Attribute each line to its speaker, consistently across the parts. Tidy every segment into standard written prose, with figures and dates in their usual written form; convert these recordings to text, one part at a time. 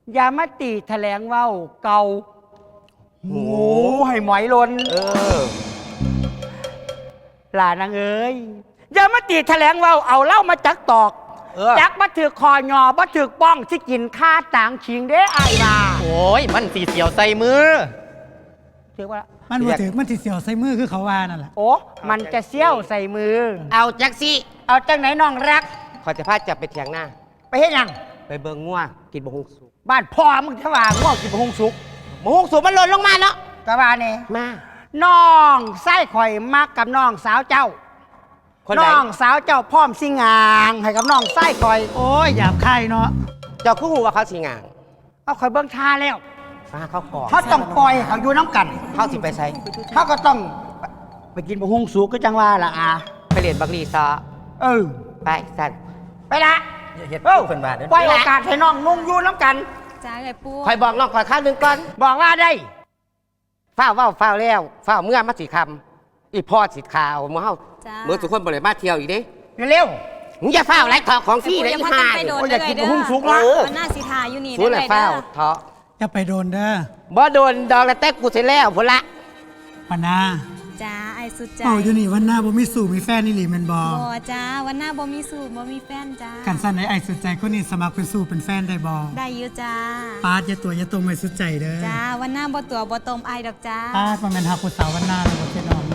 Speaker 1: อย่ามาตีแถลงเว้าเก่าโอ้ให้หมอยลนหลานางเอ้ยอย่ามาตีแถลงเว้าเอาเล่ามาจักตอกจักมาถือคอยอมาถือป้องที่กินข้าต่างชิงเด้ไอ้บ่า
Speaker 2: โอ้ยมันสีเสียวใส่มือ
Speaker 1: ถือว่า
Speaker 3: มันบ่ถือมันสิเสียวใส่มือคือเขาว่านั่นแหละ
Speaker 1: โอ้มันจะเสี้ยวใส่มือ
Speaker 4: เอาจักสิ
Speaker 1: เอาจังไหนน้องรัก
Speaker 4: ขอจะพาจับไปเถียงหน้า
Speaker 1: ไปเฮ็ดยัง
Speaker 4: ไปเบิ่งงัวกินบะฮุงสุก
Speaker 1: บ้านพ่อมึงทว่าง่วงกินบะฮุงสุก
Speaker 4: บะฮุงสุกมันหล่นลงมาเนาะ
Speaker 1: กะว่านี่
Speaker 4: มา
Speaker 1: น้องไส้ข่อยมักกับน้องสาวเจ้าน้องสาวเจ้าพร้อมสิงางให้กับน้องไส้ข่อย
Speaker 3: โอ้ยหยาบคายเนาะ
Speaker 4: เจ้าคู่หูว่าเขาสิงาง
Speaker 1: เอาข่อยเบิ่งท่าแล้ว
Speaker 4: เขาก่อน
Speaker 1: เขาต้องปล่อยเขาอยู่น้ำกัน
Speaker 4: เขาสิไปใช้
Speaker 1: เขาก็ต้องไปกินบะฮุงสุกก็จังว่าล่ะ
Speaker 4: ไปเรียนบักลีซอไปสั่น
Speaker 1: ไปละ
Speaker 4: เฮ็ดเป็นบาท
Speaker 1: ปล่อยโอกาสให้น้องนุ่งอยู่น้ำกัน
Speaker 5: จ้าไอ้ปู
Speaker 4: คอยบอกน้องคอยข้าวนึงก่อน
Speaker 1: บอกว่าได้
Speaker 4: ฝ้าแล้วฝ้าเมื่อมาสิคำอีพ่อสิข่าวมื่อเฮาเมื่อทุกคนบริมาเที่ยวอีกดิ
Speaker 1: เร็ว
Speaker 4: มึงอย่าฝ้าไรทอของพี่เลย
Speaker 5: อี
Speaker 4: ห่า
Speaker 1: อยากกินหุ้มสุกนะ
Speaker 5: มันน่าสิทาอยู่นี่
Speaker 4: สู้เลยฝ้าทอ
Speaker 3: อย่าไปโดนเด้อ
Speaker 4: บ่โดนดอกแล้วแต่กูเสร็จแล้วพุ่นละ
Speaker 3: ปานา
Speaker 5: จ้าไอ้สุดใจ
Speaker 3: อยู่นี่วันหน้าบ่มีสู่มีแฟนนี่หลีแม่นบ่
Speaker 5: จ้าวันหน้าบ่มีสู่บ่มีแฟนจ้า
Speaker 3: กันสั่นไอ้สุดใจคนนี้สมัครเป็นสู่เป็นแฟนได้บ่
Speaker 5: ได้อยู่จ้า
Speaker 3: ปาดอย่าตัวอย่าตรงไอ้สุดใจเด้อ
Speaker 5: จ้าวันหน้าบ่ตัวบ่ตมไอ้ดอกจ้า
Speaker 3: ปาดบ่แม่นฮักผู้สาววันหน้าแล้วบ่พี่น้อง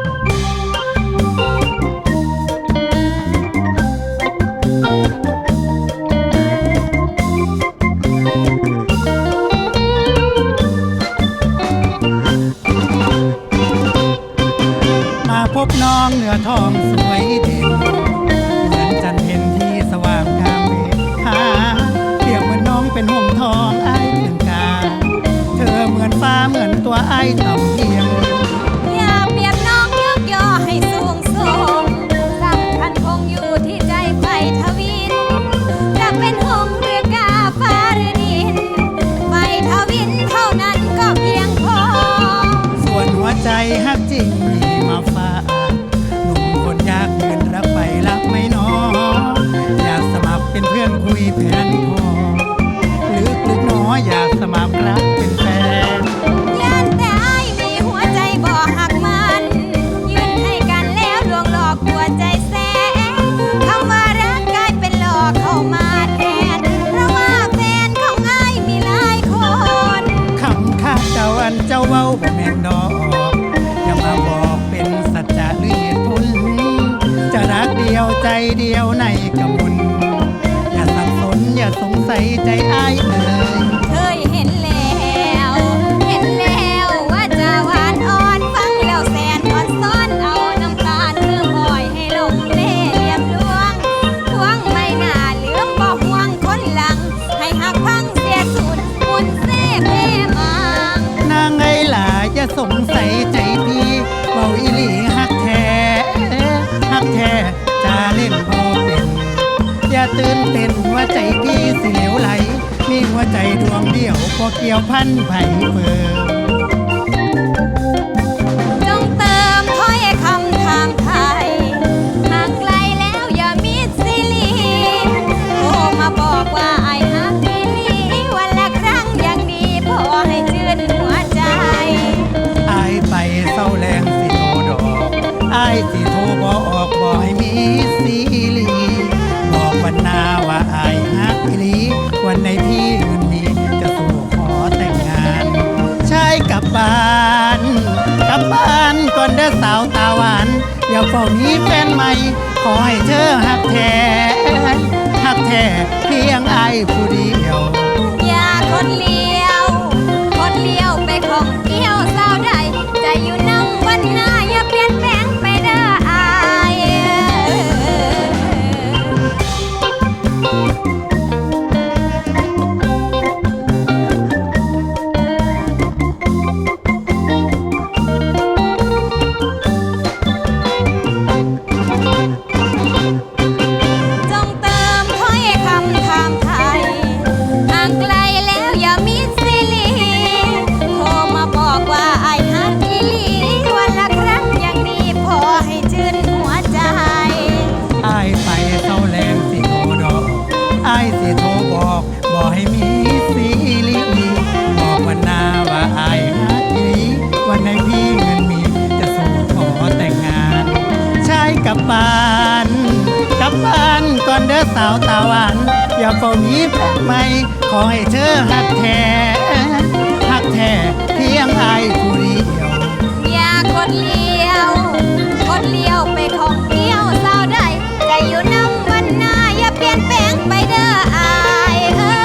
Speaker 3: พบน้องเหนือทองสวยเด่นเหมือนจันเพ็ญที่สว่างงามเวหาเปรียบเหมือนน้องเป็นห่วงทองไอ้เป็นกาเธอเหมือนฟ้าเหมือนตัวไอ้ต่ำเพียง
Speaker 5: อย่าเปรียบน้องยกย่อให้สูงส่งสำคัญคงอยู่ที่ใจไฟทวินจะเป็นหงหรือกาฟ้าหรือดินไฟทวินเท่านั้นก็เพียงพอ
Speaker 3: ส่วนหัวใจฮักจริงมีมาฝากหนุ่มคนยากเงินรักไปรักไม่น้ออยากสมัครเป็นเพื่อนคุยแผนพอลึกน้ออยากสมัครรักเป็นแฟน
Speaker 5: ยันแต่ไอ้มีหัวใจบ่หักมันยืนให้กันแล้วลวงหลอกหัวใจแสนคำว่ารักกลายเป็นหลอกเข้ามาแทนเพราะว่าแฟนของไอ้มีหลายคน
Speaker 3: คำข้าเจ้าอันเจ้าเว้าบ่แม่นดอกอย่ามาบอกเป็นสัจจะหรือเหตุผลจะรักเดียวใจเดียวในกำมลอย่าสับสนอย่าสงสัยใจอ้ายเลย
Speaker 5: เคยเห็นแล้วว่าจะหวานอ่อนฟังแล้วแสนอ่อนซ้อนเอาน้ำตาเรื่องหอยให้ลงเล่เหลี่ยมลวงทวงไม่น่าลืมบอกห่วงคนหลังให้หักพังเสียสุดมุนเซ่เพมัง
Speaker 3: นางไงล่ะอย่าสงสัยใจพี่เบาอีหลีฮักแท้จะเล่นพอเป็นอย่าตื่นเต้นว่าใจพี่สิเหลวไหลมีหัวใจดวงเดียวพอเกี่ยวพันไผ่เปิด
Speaker 5: จงเติมถ้อยคำทางไทยห่างไกลแล้วอย่ามิดสิลีโทรมาบอกว่าไอ้ฮักอีหลีวันละครั้งยังดีพอให้ชื่นหัวใจ
Speaker 3: อายไปเศร้าแรงสิโทรดอกอายสิโทรบออกบ่ให้มีสิลีบอกวันนาว่าอายฮักอีหลีวันในพี่เงินมีจะสู่ขอแต่งงานชายกลับบ้านก่อนเด้อสาวตาหวานอย่าเฝ้ามีแฟนใหม่ขอให้เธอฮักแท้เพียงอายผู้เดียว
Speaker 5: อย่าคนเลี้ยวไปของเกี่ยวสาวใดใจอยู่นั่งวันหน้าอย่าเปลี่ยนแปลงไปเด้ออายจงเติมถ้อยคำถามไทย
Speaker 3: สาวตาหวานอย่าเฝ้ามีแฟนใหม่ขอให้เธอหักแท้เพียงอายผู้เดียว
Speaker 5: อย่ากดเลี้ยวไปของเที่ยวสาวใดใจอยู่น้ำวันหน้าอย่าเปลี่ยนแปลงไปเด้ออาย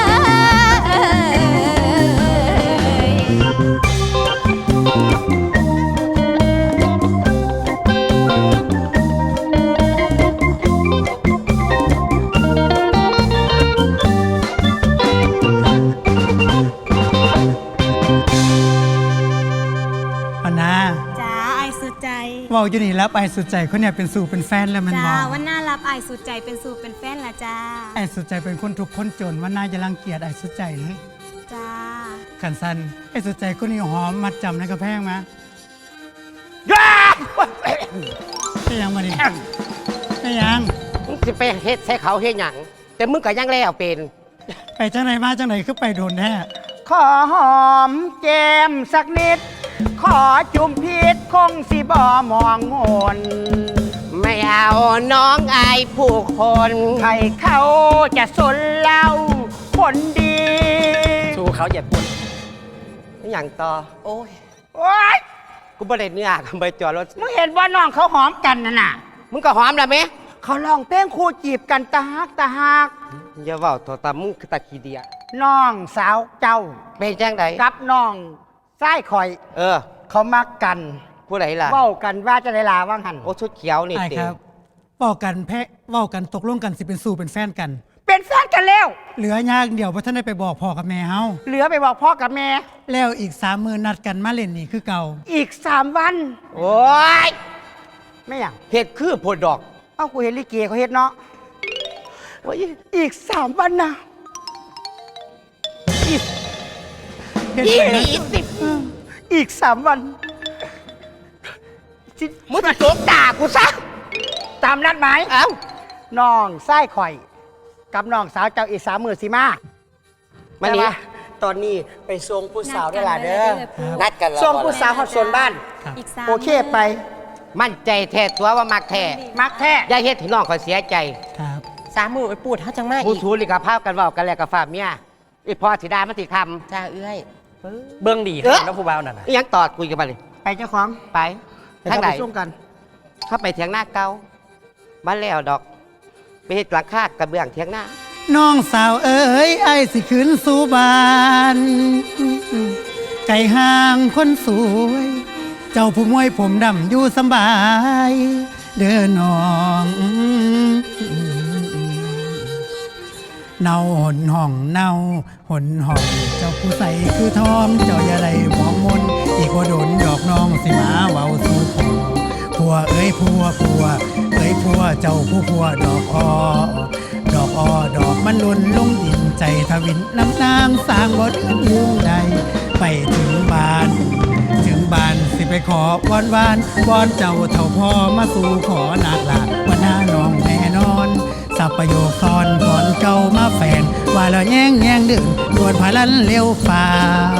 Speaker 3: เอานะ
Speaker 5: จ้าไอายสุดใจ
Speaker 3: เว่าอยู่นี่แล้วไปสุดใจคนเนี่ยเป็นสู่เป็นแฟนแล้วมัน
Speaker 5: จ้า
Speaker 3: บอก
Speaker 5: วันหน้ารับไอายสุดใจเป็นสู่เป็นแฟนละจ้า
Speaker 3: ไอ้สุดใจเป็นคนทุกข์คนจนว่าน่าจะรังเกียจไอ้สุดใจเลย
Speaker 5: จ้า
Speaker 3: ขันสันไอ้สุดใจคนนี้หอมมัดจำในกระแพงมา
Speaker 1: ย่า
Speaker 3: ได้ยังมาดิได้ยัง
Speaker 4: มึงสิไปเฮ็ดใส่เขาเฮ็ดหยังแต่มึงก็ยังแล้วเป็น
Speaker 3: ไปจังไหนมาจังไหนคือไปโดนแท้
Speaker 1: ขอหอมแก้มสักนิด ขอจุ่มพิษคงสิบ่มองมน
Speaker 4: ไม่เอาน้องอายผู้คน
Speaker 1: ใครเขาจะสนเล่าคนดี
Speaker 2: สู้เขาอย่าปุ่น
Speaker 4: อหย่างต่อ
Speaker 2: โอ้ย
Speaker 1: โอ๊ย
Speaker 4: กูบ่ได้เนื้อกับใบจอดรถ
Speaker 1: มึงเห็นว่าน้องเขาหอมกันน่ะ
Speaker 4: มึงก็หอมแล้วไหม
Speaker 1: เขาลองเพลงคู่จีบกันตาฮักตาฮัก
Speaker 4: อย่าเว้าตัวตามึงคือตาขี้เดีย
Speaker 1: น้องสาวเจ้า
Speaker 4: เป็นจังได
Speaker 1: กับน้องไส้ข่อย
Speaker 4: เออ
Speaker 1: เขามักกัน
Speaker 4: ผู้ใดล่ะ
Speaker 1: เว้ากันว่าจะได้ลาว่างหัน
Speaker 4: โอ้ชุดเขียวนี่
Speaker 3: ไอ้
Speaker 4: ติ
Speaker 3: ครับเว้ากันแพ้เว้ากันตกลงกันสิเป็นสู่เป็นแฟนกัน
Speaker 1: เป็นแฟนกันแล้ว
Speaker 3: เหลือยากเดี๋ยวพระท่านได้ไปบอกพ่อกับแม่เฮา
Speaker 1: เหลือไปบอกพ่อกับแม่
Speaker 3: แล้วอีก30,000นัดกันมาเล่นนี่คือเก่า
Speaker 1: อีก3 วัน
Speaker 4: โอ้ย
Speaker 1: ไม่อย่าง
Speaker 4: เฮ็ดคือโพดดอก
Speaker 1: เอ้ากูเห็นลิเกเขาเฮ็ดเนาะโอ้ยอีก3 วันนะ
Speaker 3: เฮ็ด
Speaker 4: ยี่
Speaker 3: ไปนะ
Speaker 4: สิบ
Speaker 1: อีก3 วันสิ
Speaker 4: มึงจะโจกด่ากูซะ
Speaker 1: ตามนัดหมาย
Speaker 4: เอ้า
Speaker 1: น้องไส้ข่อย กับน้องสาวเจ้าอีก30,000สิมา
Speaker 4: มานี่
Speaker 1: ตอนนี้ไปส่งผู้สาวได้ล่ะเด้อ
Speaker 4: นัดกันแล้ว
Speaker 1: ส่งผู้สาวฮอดส่วนบ้าน
Speaker 5: อีกสาม
Speaker 1: โอเคไป
Speaker 4: มั่นใจแท้ตัวว่ามักแท้
Speaker 1: มักแท้
Speaker 4: อย่าเฮ็ดให้น้องเขาเสียใจ
Speaker 3: ครับ
Speaker 2: 30,000ไปปูดเขาจังมาก
Speaker 4: ผู้
Speaker 2: อีก
Speaker 4: ทูลิกภาพกันเว้ากันแล้วกับฝ่าเมียอีพอสิดามันสิค
Speaker 2: จ้าเอื้อยเบื้องดี
Speaker 4: เอ้อ
Speaker 2: ครับน้องผู้บ่าวนั่นน่ะ
Speaker 4: ำอีหยังตอดคุยกันมาเลย
Speaker 1: ไปเจ้าของ
Speaker 4: ไป
Speaker 1: ทา
Speaker 4: ทาง ง
Speaker 1: ไห
Speaker 4: ไห
Speaker 1: น
Speaker 4: น
Speaker 1: ส่งกัน
Speaker 4: เข้าไปเถียงหน้าเก่าบ้านแล้วดอก ไปเฮ็ดหลังคากระเบื้องเถียงหน้า
Speaker 3: น้องสาวเอ๋ยไอ้สิขึ้นสู่บ้านไก่ห่างคนสวย เจ้าผู้มวยผมดำอยู่สำบาย เด้อน้องเนาหนห้องเนาหนห้องเจ้าผู้ใสคือทองเจ้าอย่าได้มองมนอีกว่าโดนดอกน้องสิมาเว้าสู่ขอผัวเอ้ยผัวเอ้ยผัวเจ้าผู้ผัวดอกอ้อดอกอ้อดอกมันหล่นลงดินใจทวินน้ำนางสร้างบ่เดือนลืมใดไปถึงบ้านสิไปขอวอนวอนเจ้าเท่าพ่อมาสู่ขอนาดลาว่าหน้าน้องแน่นอนสับประโยคซ้อนก่อนเก่ามาแฟนว่าแล้วแย่งดึงดวนพาลันเร็วฟ้าว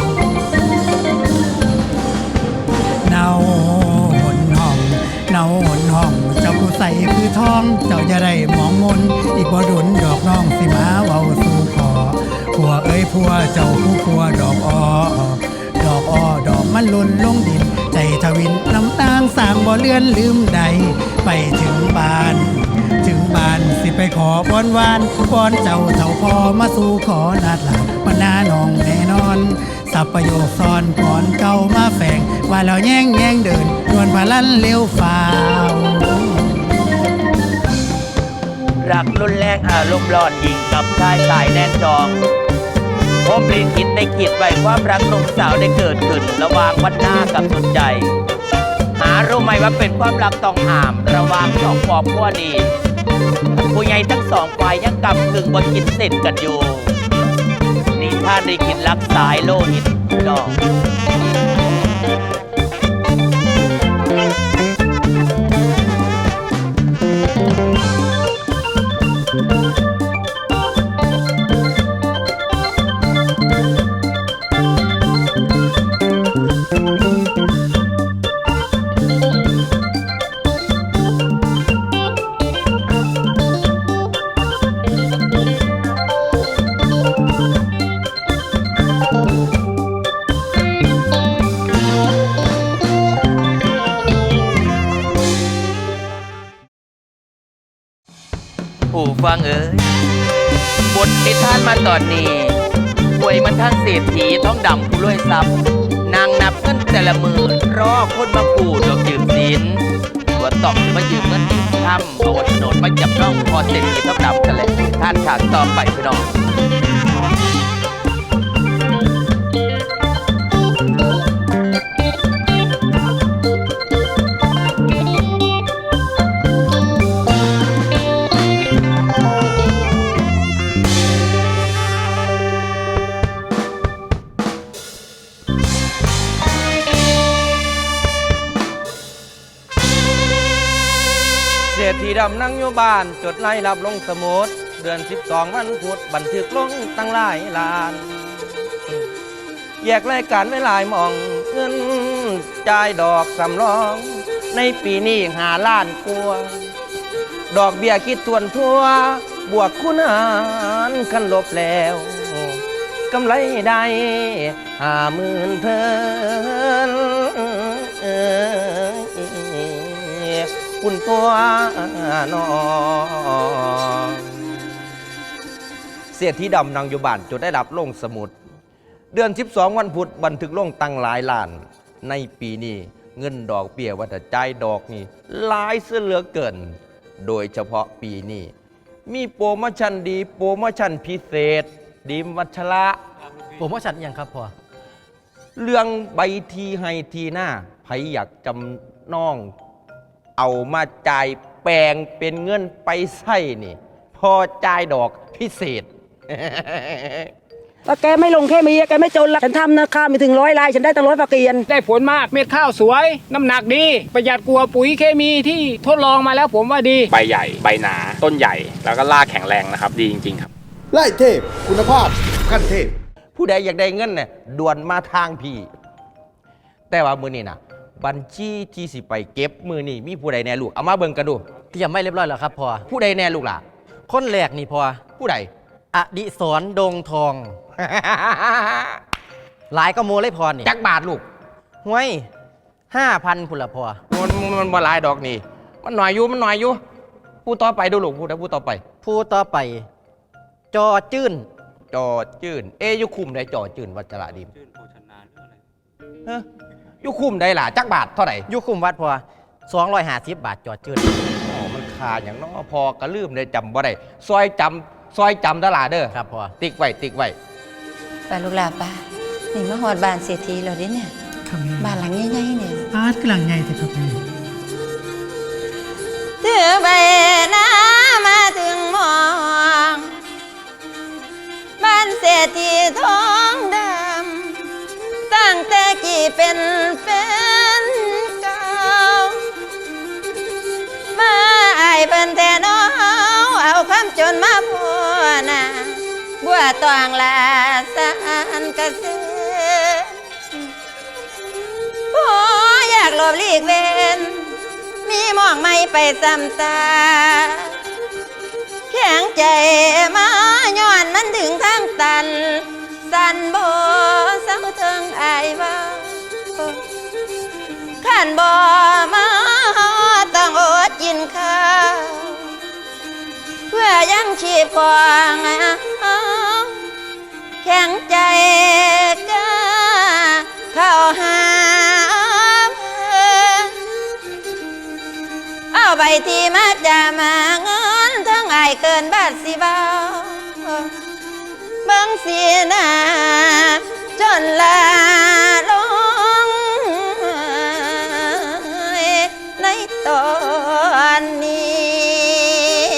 Speaker 3: เนาหนห้องเนาหนห้อง เจ้าผู้ใสคือทอง เจ้าอย่าได้มองมนอีกบ่ดุนดอกน้องสิมาเว้าสู่ขอผัวเอ้ยผัวเจ้าผู้ผัวดอกอ้อดอกอ้อดอกมันหล่นลงดิน ใจทวินน้ำตางสร้างบ่เลือนลืมใดไปถึงบ้านสิไปขอวอนเจ้าเท่าพอมาสู่ขอนาดหลับว่าหน้าน้องแน่นอนสับประโยคซ้อนก่อนเก่ามาแฝงว่าแล้วแย่งเดินดวนพาลันเร็วฟ้าว
Speaker 6: รักรุนแรงอารมณ์ร้อนยิงกับชายสายแน่นจองผมลิขิตได้คิดไว้ความรักหนุ่มสาวได้เกิดขึ้นระหว่างวันหน้ากับสุดใจ หารู้ไหมว่าเป็นความรักต้องห้ามระหว่างสองครอบครัวนี้ผู้ใหญ่ทั้งสองฝ่ายยังกำกึ่งบนกินเสร็จกันอยู่นี่ท่านได้คิดรักสายโลหิตดอกฟังเอ๋ยบทนิทานมาตอนนี้ป่วยมันทั้งเศรษฐีท้องดำผู้รวยทรัพย์นางนับเงินแต่ละมือรอคนมากู้ดอกยืมสินตัวตอบจะมายืมเงินยืมคำเอาโฉนดมาจับน้องพอเศรษฐีท้องดำกันเลยท่านฉากต่อไปพี่น้อง
Speaker 7: เศรษฐีดำนั่งอยู่บ้านจดไล่รับลงสมุดเดือน12วันพุธบันทึกลงตั้งหลายล้าน แยกรายการไว้หลายหมองเงินจ่ายดอกสำรอง ในปีนี้5 ล้านกว่าดอกเบี้ยคิดทวนทั่วบวกคูณหารคันลบแล้วกำไรได้50,000เพิ่นคุณตัวน้องเสียที่ดำนางอยู่บ้านจดได้รับลงสมุดเดือน12วันพุธบันทึกลงตั้งหลายล้านในปีนี้เงินดอกเบี้ยวัฏจ่ายดอกนี่หลายเสือเหลือเกินโดยเฉพาะปีนี้มีโปรโมชั่นดีโปรโมชั่นพิเศษดีมวัชระ
Speaker 2: ผมว่าชัดยังครับพ่อ
Speaker 7: เรื่องใบทีให้ทีหน้าไผอยากจำน้องเอามาจ่ายแปลงเป็นเงินไปใช้นี่พอจ่ายดอกพิเศษ
Speaker 8: ว่าแกไม่ลงแค่มีแกไม่จนละฉันทำนะข้าวมีถึง100 ลายฉันได้ตั้ง100 ฝากเกียน
Speaker 9: ได้ผลมากเม็ดข้าวสวย น้ำหนักดี ประหยัดกว่าปุ๋ยเคมีที่ทดลองมาแล้วผมว่าดี
Speaker 10: ใบใหญ่ใบหนาต้นใหญ่แล้วก็รากแข็งแรงนะครับ ดีจริงๆครับ
Speaker 11: ไล่เทพคุณภาพขั้นเทพ
Speaker 7: ผู้ใดอยากได้เงินเนี่ยด่วนมาทางพี่ แต่ว่ามือนี่นะบัญชีที่สิไปเก็บมือนี่มีผู้ใดแน่ลูกเอามาเบิ่งกันดู
Speaker 2: เตรียมไม่เรียบร้อยแล้วครับพ่อ
Speaker 7: ผู้ใดแน่ลูกล่ะ
Speaker 2: คนแรกนี่พ่อ
Speaker 7: ผู้ใด
Speaker 2: อดิศรดงทอง หลายก็โมเลยพอนี่
Speaker 7: จักบาทลูก
Speaker 2: ห้วย 5,000พุ่นละพ่อ
Speaker 7: มันบ่หลายดอกนี่มันหน่อยอยู่มันหน่อยอยู่ผู้ต่อไปดูลูกผู้ต่อไป
Speaker 2: ผู้ต่อไป จอจื้น
Speaker 7: จอจื่นยุคุมได้จอจื่นวัชระดีมเฮ้ยยุคุมได้ล่ะจักบาทเท่าไหร่
Speaker 2: ยุคุมวัดพ่อ250 บาทจอจื้น
Speaker 7: อ๋อมันขาดอย่างน้อพอกระลืมได้จำบ่ได้ซอยจำตลาดเด้อ
Speaker 2: ครับพ่อ
Speaker 7: ติ๊กไว้
Speaker 5: ไปลูกหลานป้านี่มาหอดบ้านเศรษฐีแล้วเด้เนี่ย
Speaker 3: ครับแม่
Speaker 5: บ้านหลังใหญ่ๆเนี่ย
Speaker 3: อาร์ตกำลังใหญ่แต่ครับแม่
Speaker 5: ถือใบหน้ามาถึงมองบ้านเศรษฐีทองดำตั้งแต่กี่เป็นแฟนเก่ามาไอ้เพิ่นแทนเอาคำจนมาพูนะบัวตองลาสานกระเสือโอ้อยากหลบหลีกเว้นมีมองไม่ไปซ้ำตาแข็งใจมาย้อนมันถึงทางตันสันโบเศร้าเทิงอายว่าขันบ่มาต้องอดกินข้าวเพื่อยังชีพของแข็งใจก็เข้าหาเอาใบที่มาจะมาเงินทั้งอายเกินบาทสิเบาเบิ่งสีหน้าจนลาลงในตอนนี้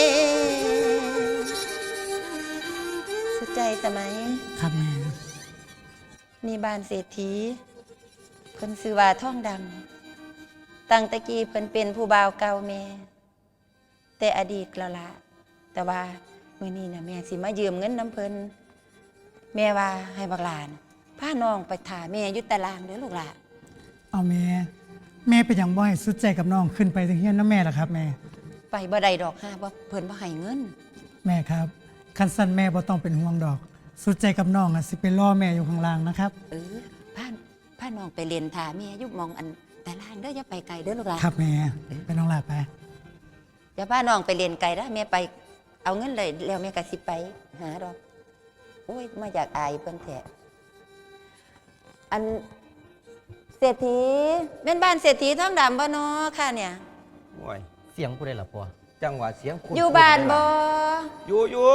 Speaker 5: สุดใจสมัย
Speaker 3: ครับแม่
Speaker 5: นี่บ้านเศรษฐีเพิ่นซื้อว่าท่องดำตั้งแตะกี้เพิ่นเป็นผู้บ่าวเก่าแม่แต่อดีตแล้วล่ะแต่ว่ามื้อนี้น่ะแม่สิมายืมเงินน้ำเพิ่นแม่ว่าให้บักหลานพาน้องไปถ่าแม่อยู่ตารางเด้อลูกหลาน
Speaker 3: เอาแม่เป็นอย่างบ่ให้สุดใจกับน้องขึ้นไปถึงเฮียนนะแม่ล่ะครับแม่
Speaker 5: ไปบ่ได้ดอกห้าบ่เพิ่นบ่ให้เงิน
Speaker 3: แม่ครับคันสั้นแม่บ่ต้องเป็นห่วงดอก สุดใจกับน้องสิไปรอแม่อยู่ข้างล่างนะครับ
Speaker 5: พาน้องไปเรียนถ่าแม่อยู่หมองอันตารางเด้ออย่าไปไกลเด้อลูกหลาน
Speaker 3: ครับแม่ไปน้องหลาไป
Speaker 5: อย่าพาน้องไปเรียนไกลนะแม่ไป
Speaker 12: เอาเงินเลยแล้วแม่ก็สิไปหาดอกโอ้ยมาอยากอายเพิ่นแท้อันเศรษฐีเป็นบ้านเศรษฐีท้องดำบ่เนาะค่ะเนี่ย
Speaker 7: โอ้ย
Speaker 2: เสียงผู้ใดล่ะพ่อ
Speaker 7: จังหวะเสียงคุณ
Speaker 12: อยู่บ้านบ่
Speaker 7: อยู่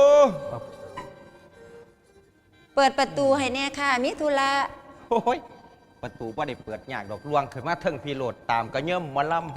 Speaker 12: เปิดประตูให้แน่ค่ะมีธุระ
Speaker 7: โอ้ยประตูบ่ได้เปิดยากดอกลวงขึ้นมาเทิงพี่โหลดตามก็เยิ่มหมอลำ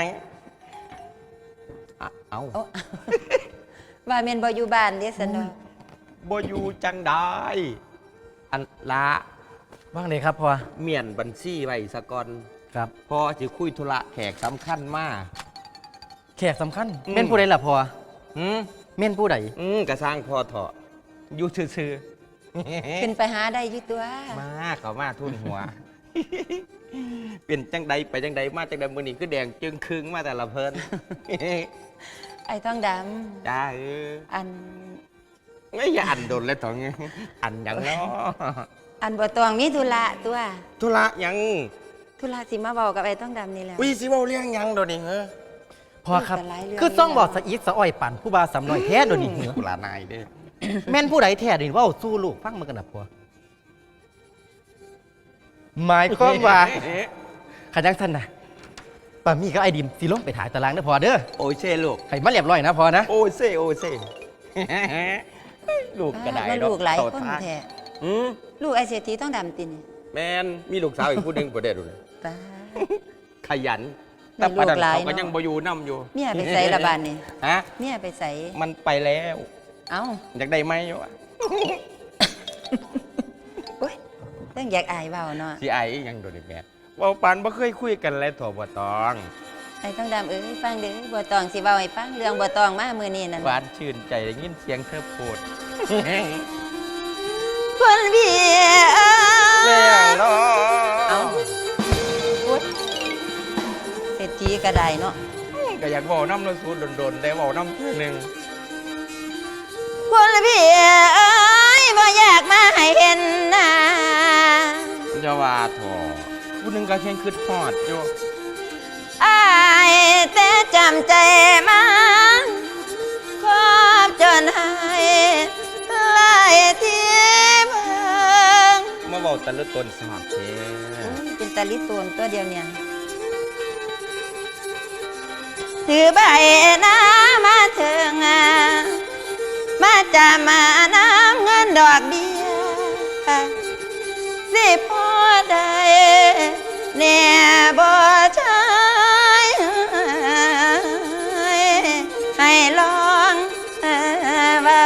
Speaker 7: เอา
Speaker 12: โอ้ ว่าแม่นบ่อยู่บ้านเด้ซั่นเนาะ
Speaker 7: บ่อยู่จังได้อันละ
Speaker 2: ว่างเลยครับพ่อ
Speaker 7: เมียนบัญชีไว้สะก่อน
Speaker 2: ครับ
Speaker 7: พอสิคุยธุระแขกสำคัญมาก
Speaker 2: แขกสำคัญเม่นผู้ใดล่ะพ่อ
Speaker 7: หืม
Speaker 2: เม่นผู้ใด
Speaker 7: กระสร้างพอเถาะอยู่ซื่อ
Speaker 12: ขึ้นไปหาได้อยู่ตัว
Speaker 7: ๆมาเขามาทุ่นหัว เป็นจังใดไปจังใดมาจังใดมื้อนี้คือแดงจึงครึงมาแต่ละเพิ่น
Speaker 12: ไอ้ทองดำ
Speaker 7: จ้า
Speaker 12: อัน
Speaker 7: ไม่อย่าอันโดนเลยตองอันหยังเนาะ
Speaker 12: อันบ่ตองมีธุระตัว
Speaker 7: ธุระหยัง
Speaker 12: ธุระสิมาเว้ากับไอ้ทองดำนี่แหละ
Speaker 7: วิสิเว้าเรื่องหยังโดนนี่เหรอ
Speaker 2: พ่อครับ
Speaker 12: แต่หลายเรื่อง
Speaker 2: คือต้องบอกสะอีกสะอ้อยปั่นผู้บ่าวสำน้อยแท้โดยวนี้เหรอ
Speaker 7: ลานายเด้อ
Speaker 2: แม่นผู้ใดแท้นี่เว่าสู้ลูกฟังมันกันนะพ่อหมายความว่าขันยังสั้นนะป้ามีก็ไอ้ดิมสิลงไปถ่ายตารางเด้อพ่อเด้อ
Speaker 7: โอ้ยเช่ลูก
Speaker 2: ให้มาเรียบร้อยนะพ่อนะ
Speaker 7: โอ้ยเซ่โอ้ยเซ่ ลูกกระได
Speaker 12: ว่าลูกหลายคนแท้
Speaker 7: อืม
Speaker 12: ลูกไอ้เศรษฐีทองดำตินี่
Speaker 7: แมนมีลูกสาวอีกผู้หนึงบ่ได้ดูเลย
Speaker 12: ป้า
Speaker 7: ขยัน
Speaker 12: มี
Speaker 7: แต่ประดัน
Speaker 12: ลูกหลาย
Speaker 7: เขาก็
Speaker 12: เนาะ
Speaker 7: ยังบ่อยู่นํอยู่
Speaker 12: เมียไปใส่ละบานนี่
Speaker 7: ฮะ
Speaker 12: เมียไปใส่
Speaker 7: มันไปแล้ว
Speaker 12: เอ้า
Speaker 7: อยากได้ไหมอยู่อะ
Speaker 12: โอ้ยเรื่องอยากอายเว้าเนาะ
Speaker 7: สิไออีหยังโดนนี่แม่เว้าปานบ่เคยคุยกันเลยถั่วบ่ตอง
Speaker 12: ไอ้ทองดำเอ้ยฟังเด้อบัวตองสิเว้าให้ฟังเรื่องบัวตองมามื้อนี้นั่น
Speaker 7: หวานชื่นใจได้ยินเสียงเธอพูด
Speaker 12: คนเบีย
Speaker 7: แม่งเนาะ
Speaker 12: เอ้าโอ๊ยเศรษฐีก็ได้เนาะ
Speaker 7: ก็อยากบอกน้ำเราสูดโดนๆได้บอกน้ำเพื่อหนึ่ง
Speaker 12: คนเบียบ่อยากมาให้เห็นหน้า
Speaker 7: จะว่าถอผู้หนึ่งก็แค่คืดหอดอยู่
Speaker 12: อายแต่จำใจมันขอบจนให้หลายที่เมือง
Speaker 7: มาบอกตะลุตนสาบเท
Speaker 12: เป็นตาลิตูนตัวเดียวเนี่ยถือใบหน้ามาถึงมาจะมาน้ำเงินดอกเบี้ยสิพอได้เนี่ยบ่ใช่ให้ลองเบา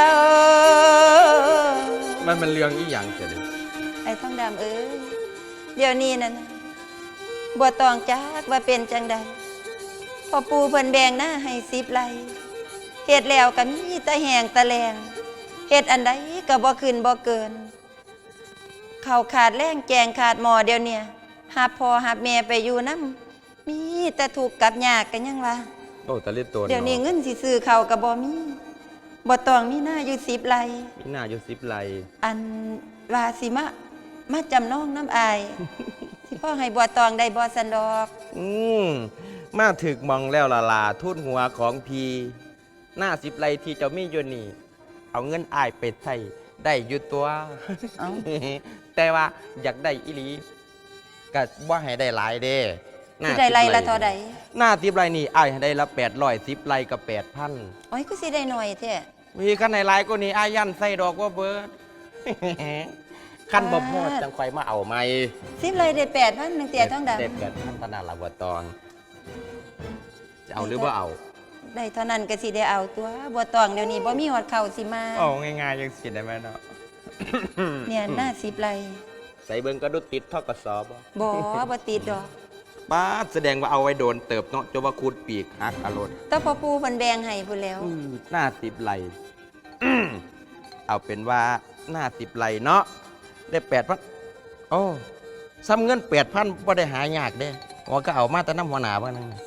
Speaker 7: มันเป็นเรื่องอีหยังเสียเลย
Speaker 12: ไอ้ทองดำเอ้ยเดี๋ยวนี้นั่นน่ะบัวตองจักว่าเป็นจังใดพอปูเพิ่นแบ่งหน้าให้10 ไร่เฮ็ดแล้วก็มีแต่แหงตะแลงเฮ็ดอันใดก็บ่ขึ้นบ่เกินข้าวขาดแรงแกงขาดหม้อเดี๋ยวเนี่ยหาพ่อหาแม่ไปอยู่นำมีแต่ถูกข์กับยากกันยังวะ
Speaker 7: โอ้ตะลุตน
Speaker 12: เดี๋ยวนี้เงินสิซื้อข้าวก็บ่มีบ่ตองมีหน้าอยู่10 ไร่
Speaker 7: มีหน้าอยู่10 ไร่
Speaker 12: อันว่าสิมาจำนองน้ำอาย สิพ่อให้บัวตองได้บ่สันดอก
Speaker 7: มาถึกมองแล้วละลาทุ่นหัวของพีหน้า10 ไร่ที่เจ้ามีอยู่นี่ เอาเงินอายไปใส่ได้อยู่ตัว
Speaker 12: เอ้า
Speaker 7: แต่ว่าอยากได้อีหลีก็ว่าให้ได้หลายเด้หน้า
Speaker 12: สิได้ไรละเท่าใด
Speaker 7: หน้า10 ไร่นี่อายให้ได้ละ810 ไร่กับ 8,000
Speaker 12: โอ้ยก็สิได้หน่อยแท้
Speaker 7: มีขั้นในหลายก็นี่อายันใส่ดอกว่าเบิด ขั้นบ่พอดจังไฟมาเอาไหม
Speaker 12: 10 เลยได้8,000นึงเตียท้องดำ
Speaker 7: เด็ดแบบท่านตนาลาบัวตองจะเอาหรือว่าเอา
Speaker 12: ได้เท่านั้นก็สิได้เอาตัวบัวตองเดี๋ยวนี้บ่มีฮอดข้าวสิมา
Speaker 7: เอาง่ายๆยังสิได้ไหมเนาะ
Speaker 12: เนี่ยหน้า10 ไร่
Speaker 7: ใส่เบิ้งก็ดุดติดท่อกระสอบ
Speaker 12: บ่ติดดอก
Speaker 7: ป้าดแสดงว่าเอาไว้โดนเติบเนาะจนว่าคูดปีกหักอารมณ์
Speaker 12: แต่พอปูเพิ่นแบ่งให้พุ่นแล้ว
Speaker 7: หน้า10 ไร่ เอาเป็นว่าหน้า10 ไร่เนาะได้ 8,000โอ้ซ้ำเงิน 8,000บ่ได้หายากเด้ว่าก็เอามาแต่น้ำหัวหน้าบ้างนั่น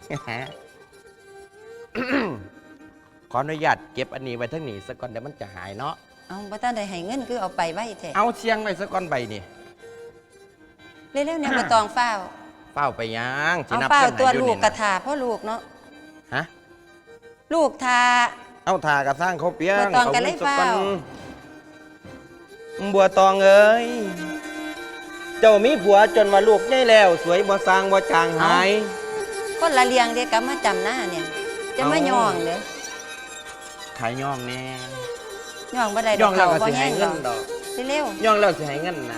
Speaker 7: ขออนุญาตเก็บอันนี้ไว้ทั้งนี้สักก่อนเดี๋ยวมันจะหายเนาะ
Speaker 12: เอาบ่ทันได้ให้เงินคือเอาไปไว้แท้
Speaker 7: เอาเชียงไว้สักก่อนใบนี่
Speaker 12: เร็วๆเนี่ยบัวตองฟ้าว
Speaker 7: เฝ้าไปยัง
Speaker 12: เอา
Speaker 7: นับ
Speaker 12: ฟ้าว
Speaker 7: เงินให้
Speaker 12: ตัว
Speaker 7: อยู่
Speaker 12: ลูก
Speaker 7: นี่
Speaker 12: กระ
Speaker 7: นะ
Speaker 12: ทาพ่อลูกเนาะ
Speaker 7: ฮะ
Speaker 12: ลูกทา
Speaker 7: เอาถ่ากระสร้างเขาเปียง
Speaker 12: บัวตองกันเลย
Speaker 7: สั
Speaker 12: เปล่า
Speaker 7: บัวตองเอ้ยเจ้ามีผัวจนว่าลูกใหญ่แล้ว สวยบ่สร้างบ่จางหาย
Speaker 12: คนละเลียงเดียวกับมาจำหน้าเนี่ย จะมาย่องเด้อ
Speaker 7: ขายย่องแน่
Speaker 12: ย่องบ่ได้ด
Speaker 7: ย่
Speaker 12: อ
Speaker 7: อก งแล้วก็
Speaker 12: บ่
Speaker 7: สิ
Speaker 12: แห้
Speaker 7: ให้
Speaker 12: ง
Speaker 7: เงิ
Speaker 12: ดอน ก
Speaker 7: ดอก
Speaker 12: เร็ว
Speaker 7: ย่องแล้วสิให้เงินนะ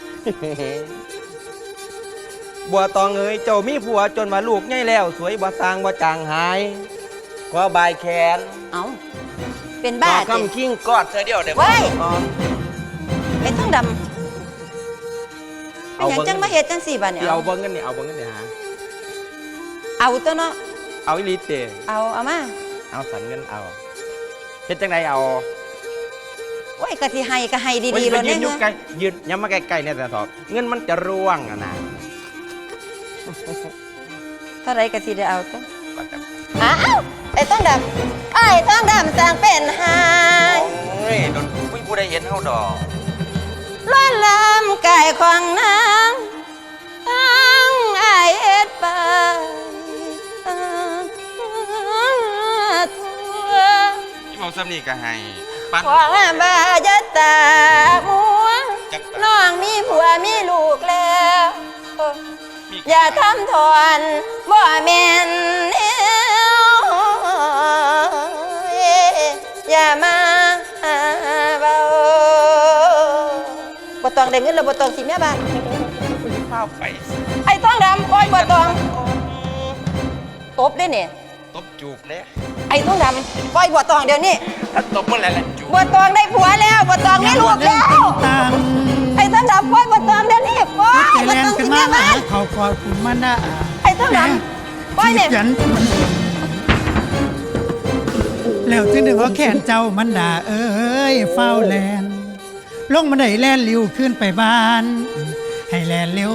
Speaker 7: บัวตองเอ้ยเจ้ามีผัวจนว่าลูกใหญ่แล้ว สวยบ่สร้างบ่จางหายขอบายแขน
Speaker 12: ๆเอาเป็นบ้า
Speaker 7: ขอ
Speaker 12: จิ
Speaker 7: คำคิงกอดเธอเดียวเดี๋ยว
Speaker 12: เว้ย
Speaker 7: อ๋อ
Speaker 12: ไอ้ทั้งดำเป็นหยังจังมาเฮ็ดจังสี่บัดเนี่ย
Speaker 7: เอาเบิ่งกันนี่เอาเบิ่งกันนี่ฮะ
Speaker 12: เอาตัวเนาะ
Speaker 7: เอาอีหลีเต
Speaker 12: เอามา
Speaker 7: เอาสันเงินเอาเฮ็ดจังไดเอา
Speaker 12: โอ้ยก็สิให้ก็ให้ดีๆ
Speaker 7: ไป
Speaker 12: แล้ว
Speaker 7: ยื
Speaker 12: เนี่ย
Speaker 7: นอยู่ใกล้ยืนย้ำมาใกล้ๆเนี่ยแต่ถอดเงินมันจะร่วงอะนะ
Speaker 12: เท่าไรก็สิได้เอาตัวอ้าวไอ้ต้องดำไอ้ต้องดำสร้างเป็นหาย
Speaker 7: โอ้ยโดนผู้ใดเห็นเฮาดอก
Speaker 12: ล้วนลำกายของนางทั้งไอายเอ็ดไปทั่ว
Speaker 7: ที่เมาซ้ำนี่ก็ให้ปัน
Speaker 12: ขวางบาจะตามัวน้องมีผัวมีลูกแล้ว อย่าทำทอนบ่แม่นแนวอย่ามาเบาบ่ต้องได้เงินแล้วบ่ต้องสิแม่บ้าน
Speaker 7: ข้าวไป
Speaker 12: ไอ้ต้องดำปล่อยบ่ต้องตบได้เนี่ย
Speaker 7: ตบจูบเนี่ย
Speaker 12: ไอ้ต้องดำปล่อยบ่ต้องเดี๋ยวนี้
Speaker 7: ถ้าตบเมื่อไหร่ละจูบ
Speaker 12: บ่ต้องได้ผัวแล้วบ่ต้องได้ลูกแล้ว
Speaker 3: ต่าง
Speaker 12: ไอ้ต้องดำปล่อยบ่ต้องเดี๋ยวนี้ปล่อย
Speaker 3: ใจ
Speaker 12: บ่
Speaker 3: แรง
Speaker 12: ต้อง
Speaker 3: ขึ้
Speaker 12: สิ
Speaker 3: นมา
Speaker 12: แม่
Speaker 3: หา
Speaker 12: บ้าน
Speaker 3: เขากอดคุณมันนะ
Speaker 12: ไอ้ต้องดำปล่อยเนี่ย
Speaker 3: จีบยันแล้วจึงดึงว่าแขนเจ้ามันด่าเอ้ยเฝ้าแลนลงมาได้แลนเร็วขึ้นไปบ้าน ให้แลนเร็ว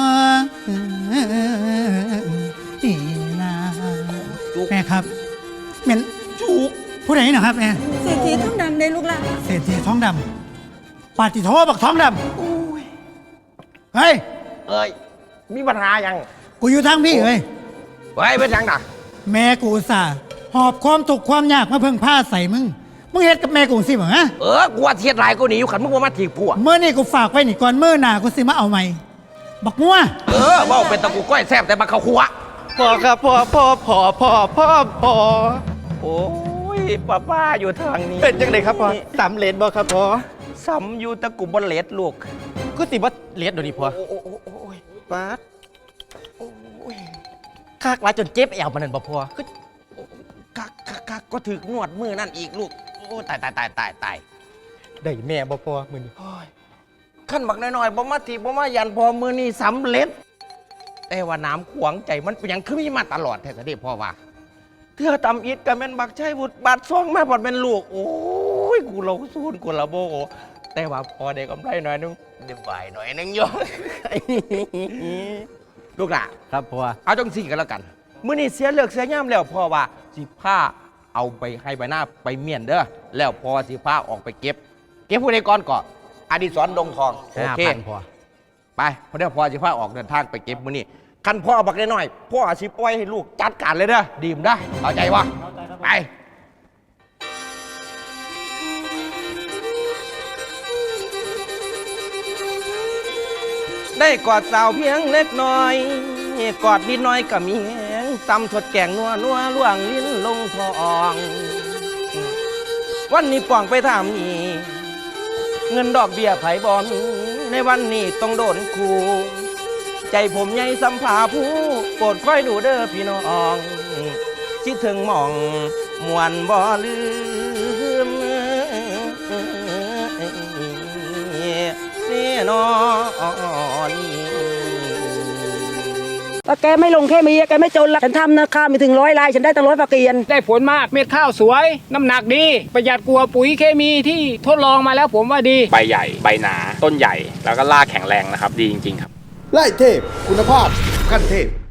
Speaker 3: นี่นาแม่ครับเหม็นจุกผู้ใดนะครับแม่
Speaker 12: เศรษฐีต้องดำได้ลูกละ
Speaker 3: เศรษฐีท้องดำปาติโทบักท้องดำเฮ้ย
Speaker 7: เอ้ยมีปัญหายัง
Speaker 3: กูอยู่ทางพี่เฮ้ย
Speaker 7: ไว้เป็นยังน่ะ
Speaker 3: แม่กูอุตส่าห์หอบความทุกข์ความยากมาเพิ่งผ้าใส่มึงเฮ็ดกับแม่กูสิบ่ฮะ
Speaker 7: กูว่าเทียดหลายกูหนีอยู่ขันมึงว่ามาถีบผัว
Speaker 3: เมื่อนี่กูฝากไว้นี่ก่อนเมื่อหน้ากูสิมาเอาใหม่บักงัว
Speaker 7: ว่าเป็นตะกูก้อยแซ่บแต่มาเข้าครัว
Speaker 2: พ่อครับพ่อ
Speaker 7: โอ้ยป้าอยู่ทางนี้
Speaker 2: เป็นจังไดครับพ่อสำเร็จบ่ครับพ่อ
Speaker 7: ซ้ำอยู่ตะกุบเลดลูก
Speaker 2: ก็สิบ่เลียดเดี๋ยวนี้พ่อ
Speaker 7: โอ้ย
Speaker 2: ปาดคากหลายจนเจ็บแอวมันนั่นบ่พ่อคือ
Speaker 7: กักก็ถึกนวดมือนั่นอีกลูก โอ้ตาย
Speaker 2: ได้แม่บ่พ่อมื้อนี้
Speaker 7: ขั้นบักน้อยๆบ่มาถีบบ่มายันพอมือนี่สำเร็จ แต่ว่าน้ำขวางใจมันเป็นหยังคือมีมาตลอดแท้ๆเด้พ่อว่าเทื่อตำอิดกับแม่นบักชัยบุตรบาดซ่องมาพอดเป็นลูก โอ้ยกูเราสู้กูละโบแต่ว่าพอได้กำไรหน่อยนึงได้บ่ายหน่อยนึงโย ลูกหล่ะ
Speaker 2: ครับพ่อ
Speaker 7: เอาจังสี่กันแล้วกันมื้อนี้เสียเลือกเสียย่ามแล้วพ่อว่าสิผ้าเอาไปให้ใบหน้าไปเมียนเด้อแล้วพอสิผ้าออกไปเก็บผู้ใดก่อนก่อนอดิศรดงทองโอเค
Speaker 2: 5,000พ่อ
Speaker 7: ไปพอได้พอสิผ้าออกเดินทางไปเก็บมื้อนี้คันพ่อเอาบักน้อยๆพ่อสิปล่อยให้ลูกจัดการเลยเด้อดีมได้เข้าใจวะไปได้กอดสาวเพียงเล็กน้อยกอดนิดน้อยก็มีแหงตำถดแกงนัวล่วงลิ้นลงทองวันนี้ป่องไปถามนี่เงินดอกเบี้ยไผบ่มีในวันนี้ต้องโดนคูใจผมใหญ่สัมผาผู้โปรดค่อยดูเด้อพี่น้องคิดถึงหม่องมวนบ่ลืมนี่นอนี่
Speaker 8: ว่าแกไม่ลงแค่มีแกไม่จนละฉันทำนะข้าวมีถึง100 ลาย ฉันได้ตั้ง100 ฝากเกียน
Speaker 9: ได้ผลมากเม็ดข้าวสวย น้ำหนักดี ประหยัดกว่าปุ๋ยเคมีที่ทดลองมาแล้วผมว่าดี
Speaker 10: ใบใหญ่ ใบหนา ต้นใหญ่ แล้วก็รากแข็งแรงนะครับ ดีจริงๆครับ
Speaker 11: ไล่เทพ คุณภาพขั้นเทพ